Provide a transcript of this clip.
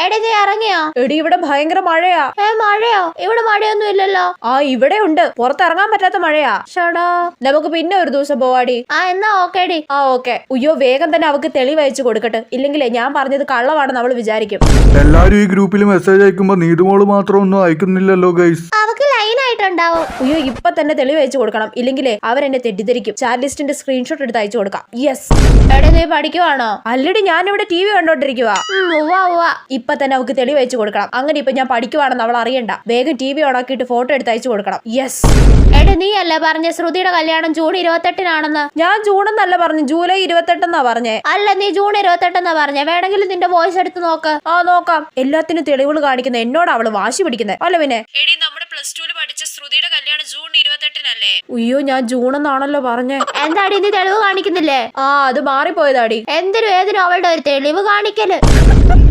എടി നീ ഇറങ്ങിയോ? എടി ഇവിടെ ഭയങ്കര മഴയാ. മഴയോ? ഇവിടെ മഴയൊന്നും ഇല്ലല്ലോ. ആ ഇവിടെ ഉണ്ട്, പുറത്തിറങ്ങാൻ പറ്റാത്ത മഴയാ. ഷടാ, നമുക്ക് പിന്നെ ഒരു ദിവസം പോവാടി. എന്നാ ഓക്കേടി. ഓക്കെ. അയ്യോ വേഗം തന്നെ അവക്ക് തെളിവ് അയച്ചു കൊടുക്കട്ടെ, ഇല്ലെങ്കിലേ ഞാൻ പറഞ്ഞത് കള്ളമാണെന്ന് അവള് വിചാരിക്കും. എല്ലാരും ഈ ഗ്രൂപ്പിൽ മെസ്സേജ് അയക്കുമ്പോ നീതുമോള് മാത്രം ഒന്നും അയക്കുന്നില്ലല്ലോ ഗൈസ്. അവക്ക് ലൈൻ ആയിട്ടുണ്ടാവും. അയ്യോ ഇപ്പൊ തന്നെ തെളിവ് അയച്ചു കൊടുക്കണം, ഇല്ലെങ്കിലേ അവരെന്നെ തെറ്റിദ്ധരിക്കും. ചാറ്റ് ലിസ്റ്റിന്റെ സ്ക്രീൻഷോട്ട് എടുത്ത് അയച്ചു കൊടുക്കാം. യെസ്. എടി നീ പഠിക്കുവാണോ? അല്ലടി ഞാനിവിടെ TV കണ്ടോണ്ടിരിക്കുവാ. ഇപ്പൊ തന്നെ അവക്ക് തെളിവ് അയച്ചു കൊടുക്കണം. അങ്ങനെ ഇപ്പൊ ഞാൻ പഠിക്കുവാണെന്ന് അവൾ അറിയണ്ട. വേഗം TV ഓണാക്കിയിട്ട് ഫോട്ടോ എടുത്ത് അയച്ചു കൊടുക്കണം. യെസ്. എടി നീ അല്ലേ പറഞ്ഞ ശ്രുതിയുടെ കല്യാണം ജൂൺ 28-നാണെന്ന്? ഞാൻ ജൂൺ എന്നല്ല പറഞ്ഞു, ജൂലൈ 28 പറഞ്ഞേ. അല്ല, നീ ജൂൺ 28 പറഞ്ഞേ. വേണമെങ്കിലും നിന്റെ വോയിസ് എടുത്ത് നോക്ക്. നോക്കാം. എല്ലാത്തിനും തെളിവുകൾ കാണിക്കുന്ന എന്നോട് അവള് വാശി പിടിക്കുന്നത് അല്ല പിന്നെ. എടി നമ്മുടെ +2 പഠിച്ച ശ്രുതിയുടെ കല്യാണം ജൂൺ 28-നല്ലേ? അയ്യോ ഞാൻ ജൂൺ എന്നാണല്ലോ പറഞ്ഞേ. എന്താടി നീ തെളിവ് കാണിക്കുന്നില്ലേ? അത് മാറിപ്പോയതാടി. എന്തിനും ഏതിനും അവളുടെ ഒരു തെളിവ് കാണിക്കല്.